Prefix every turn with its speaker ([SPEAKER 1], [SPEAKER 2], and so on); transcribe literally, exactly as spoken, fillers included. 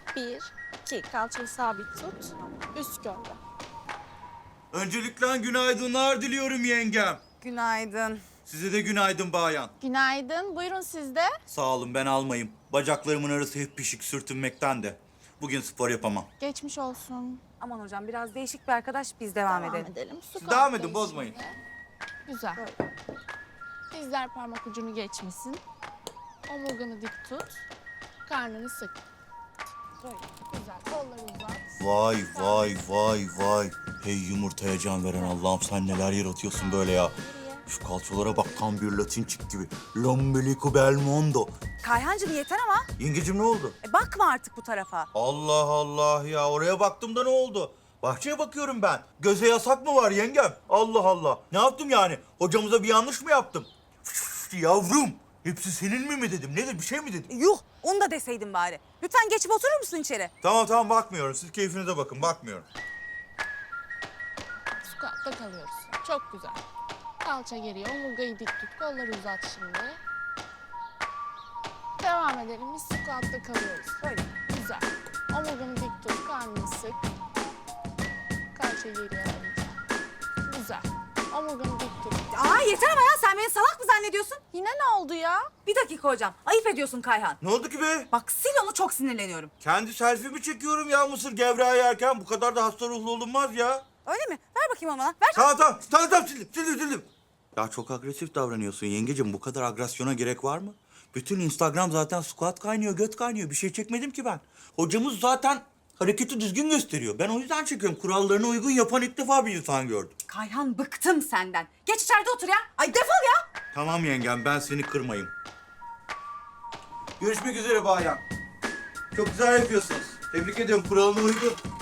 [SPEAKER 1] Bir, iki. Kalçayı sabit tut. Üst gövde.
[SPEAKER 2] Öncelikle günaydınlar diliyorum yengem.
[SPEAKER 3] Günaydın.
[SPEAKER 2] Size de günaydın bayan.
[SPEAKER 1] Günaydın. Buyurun siz de.
[SPEAKER 2] Sağ olun ben almayayım. Bacaklarımın arası hep pişik sürtünmekten de. Bugün spor yapamam.
[SPEAKER 1] Geçmiş olsun.
[SPEAKER 3] Aman hocam biraz değişik bir arkadaş, biz devam,
[SPEAKER 1] Devam
[SPEAKER 3] edelim.
[SPEAKER 1] edelim. Su
[SPEAKER 2] Siz devam edin,
[SPEAKER 1] kalkayı
[SPEAKER 2] bozmayın.
[SPEAKER 1] şimdi. Güzel. Dizler parmak ucunu geçmesin. Omurganı dik tut. Karnını sık. Böyle. Güzel. Kolları uzat.
[SPEAKER 2] Vay vay vay vay. Hey yumurtaya can veren Allah'ım sen neler yaratıyorsun böyle ya. Şu kalçalara bak tam bir Latin çık gibi. L'ombelico bel mondo.
[SPEAKER 3] Kayhancığım yeter ama.
[SPEAKER 2] Yengecim ne oldu?
[SPEAKER 3] E, bakma artık bu tarafa.
[SPEAKER 2] Allah Allah ya oraya baktım da ne oldu? Bahçeye bakıyorum ben. Göze yasak mı var yengem? Allah Allah. Ne yaptım yani? Hocamıza bir yanlış mı yaptım? Üf, yavrum. Hepsi senin mi mi dedim? Nedir bir şey mi dedim?
[SPEAKER 3] E, yuh, onu da deseydin bari. Lütfen geçip oturur musun içeri?
[SPEAKER 2] Tamam tamam bakmıyorum. Siz keyfinize bakın bakmıyorum.
[SPEAKER 1] Squat'ta kalıyoruz. Çok güzel. Kalça geriye, omurgayı dik tut. Kolları uzat şimdi. Devam edelim. Biz squat'ta kalıyoruz.
[SPEAKER 3] Böyle.
[SPEAKER 1] Güzel. Omurganı dik tut, karnını sık. Kalça geriye alınca. Güzel. Omurganı dik tut.
[SPEAKER 3] Aa yeter ama ya, sen beni salak mı zannediyorsun?
[SPEAKER 1] Yine ne oldu ya?
[SPEAKER 3] Bir dakika hocam, ayıp ediyorsun Kayhan.
[SPEAKER 2] Ne oldu ki be?
[SPEAKER 3] Bak sil onu, çok sinirleniyorum.
[SPEAKER 2] Kendi selfie'mi çekiyorum ya mısır gevreği yerken. Bu kadar da hasta ruhlu olunmaz ya.
[SPEAKER 3] Öyle mi? Ver bakayım onu bana, ver.
[SPEAKER 2] Tamam tamam. Tamam tamam sildim sildim sildim. Ya çok agresif davranıyorsun yengecim. Bu kadar agresyona gerek var mı? Bütün Instagram zaten squat kaynıyor, göt kaynıyor. Bir şey çekmedim ki ben. Hocamız zaten hareketi düzgün gösteriyor. Ben o yüzden çekiyorum. Kurallarına uygun yapan ilk defa bir insan gördüm.
[SPEAKER 3] Kayhan, bıktım senden. Geç içeride otur ya. Ay defol ya.
[SPEAKER 2] Tamam yengem ben seni kırmayayım. Görüşmek üzere bayan. Çok güzel yapıyorsunuz. Tebrik ediyorum kuralına uygun.